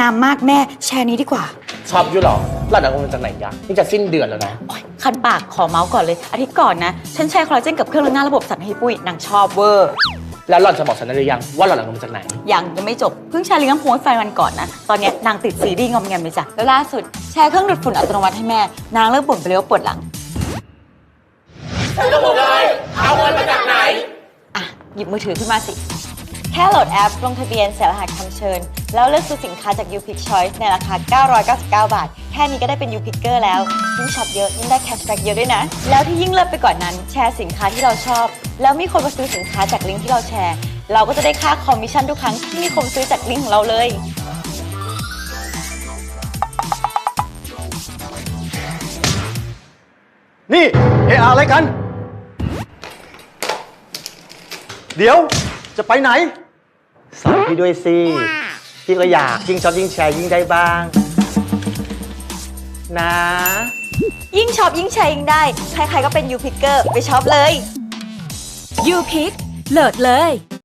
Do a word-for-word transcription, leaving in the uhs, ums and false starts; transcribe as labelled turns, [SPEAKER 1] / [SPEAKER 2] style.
[SPEAKER 1] ามมากแม่แชร์นี้ดีกว่า
[SPEAKER 2] ชอบอยู่หรอหล่อนเอาเงินจากไหนยะนี่จะสิ้นเดือนแล้วนะ
[SPEAKER 1] คันปากขอเมาส์ก่อนเลยอาทิตย์ก่อนนะฉันแชร์คอลลาเจนกับเครื่องล้างหน้าระบบสันให้ปุ้ยนางชอบเวอร์
[SPEAKER 2] แล้วหล่อนจะบอกฉันได้หรือยังว่าหล่อนเอาเงินมาจากไหน
[SPEAKER 1] ยังยังไม่จบเพิ่งแชร์ลิงก์น้ำพุให้แฟนวันก่อนนะตอนนี้นางติดซีรีส์งอมแงมเลยจ้ะแล้วล่าสุดแชร์เครื่องดูดฝุ่นอัตโนมัติให้แม่นางเลิกบ่นไปเลยว่าปวดหลัง
[SPEAKER 2] สรุปเลยเอาเงินมาจากไหน
[SPEAKER 1] อ่ะหยิบมือถือขึ้นมาสิแค่โหลดแอปลงทะเบียนใส่รหัสคำเชิญแล้วเลือกซื้อสินค้าจาก YouPick Choice ในราคาเก้าร้อยเก้าสิบเก้าบาทแค่นี้ก็ได้เป็น YouPicker แล้วยิ่งช็อปเยอะยิ่งได้แคชแบ็กเยอะด้วยนะแล้วที่ยิ่งเลิศไปกว่านั้นแชร์สินค้าที่เราชอบแล้วมีคนมาซื้อสินค้าจากลิงก์ที่เราแชร์เราก็จะได้ค่าคอมมิชชั่นทุกครั้งที่มีคนซื้อจากลิงก์ของเราเลย
[SPEAKER 3] นี่เอะอะไรกันเดี๋ยวจะไปไหนสอนพี่ด้วยสิพี่ก็อยากยิ่งชอบยิ่งแชร์ยิ่งได้บ้างนะ
[SPEAKER 1] ยิ่งช็อปยิ่งแชร์ยิ่งได้ใครๆก็เป็น YouPicker ไปช็อปเลย
[SPEAKER 4] YouPick เลิศเลย